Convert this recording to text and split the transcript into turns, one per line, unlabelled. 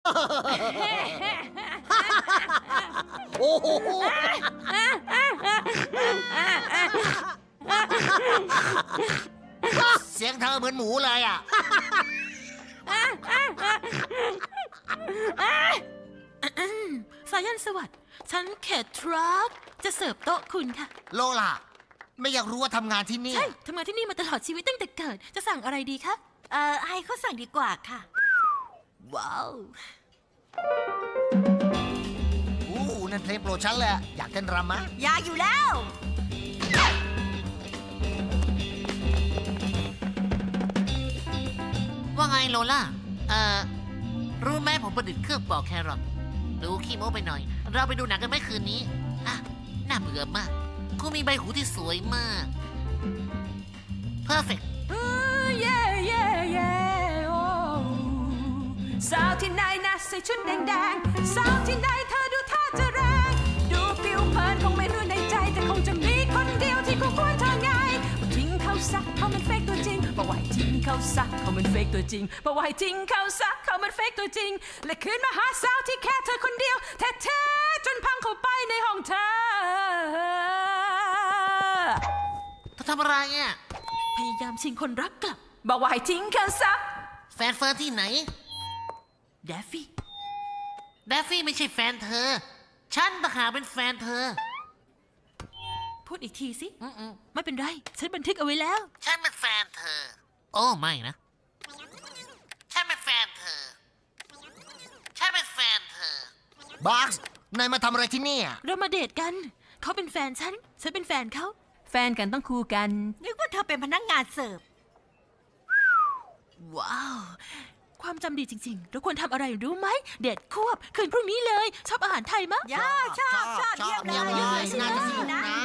โอ้โหเสียงเธอเหมือนหมูเลยอ่ะ
สายันสวัสดิ์ฉันเขตทรัคจะเสิร์ฟโต๊ะคุณค่ะ
โลล่ะ ไม่อยากรู้ว่าทำงานที่นี่
ใช่ทำงานที่นี่มาตลอดชีวิตตั้งแต่เกิด จะสั่งอะไรดีคะ
ให้เขาสั่งดีกว่าค่ะ
ว้าว
อู้นั่นเพลงโปรดฉันเลยอะอยากเต้นรำมะ
อยากอยู่แล้ว
ว่าไงโลล่า รู้ไหมผมประดิษฐ์เครื่องปอกแครอทดูขี้โม้ไปหน่อย เราไปดูหนังกันไหมคืนนี้ อ่ะ น่าเบื่อมากคุณมีใบหูที่สวยมาก perfect
เย่เย่เย่โอ้สาวที่ไหนนะใส่ชุดแดงๆสาวที่ไหนเธอดูท่าจะแรงดูผิวเผินคงไม่รู้ในใจแต่คงจะมีคนเดียวที่คู่ควรเธอไงทิ้งเขาซะเขามันเฟกตัวจริงบอกว่าให้ทิ้งเขาซะเขามันเฟกตัวจริงบอกว่าให้ทิ้งเขาซะเขามันเฟกตัวจริงและคืนมาหาสาวที่แค่เธอคนเดียวแท้ๆจนพังเข้าไปในห้องเธอ
เธอทำอะไรอ่ะ
พยายามชิงคนรักกลับ
บอกว่าให้ทิ้งเขาซะ
แฟนเฟิร์นที่ไหน
แดฟฟี่
แดฟฟี่ไม่ใช่แฟนเธอ ฉันต่างหากเป็นแฟนเธอ
พูดอีกทีสิ
อืม
ไม่เป็นไร ฉันบันทึกเอาไว้แล้ว
ฉันเป็นแฟนเธอ โอ้ไม่นะ ฉันเป็นแฟนเธอ ฉันเป็นแฟนเธอ
บัคส์นายมาทำอะไรที่นี่อะ
เรามาเดทกัน เขาเป็นแฟนฉัน ฉันเป็นแฟนเขา
แฟนกันต้องคู่กัน
นึกว่าเธอเป็นพนักงานเสิร์ฟ
ว้าว ความจำดีจริงๆ เราควรทำอะไรรู้ไหม เดทควบ คืนพรุ่งนี้เลย ชอบอาหารไทยมะ
ชอบเยี่ยมเลย
น่าจะสนุกนะ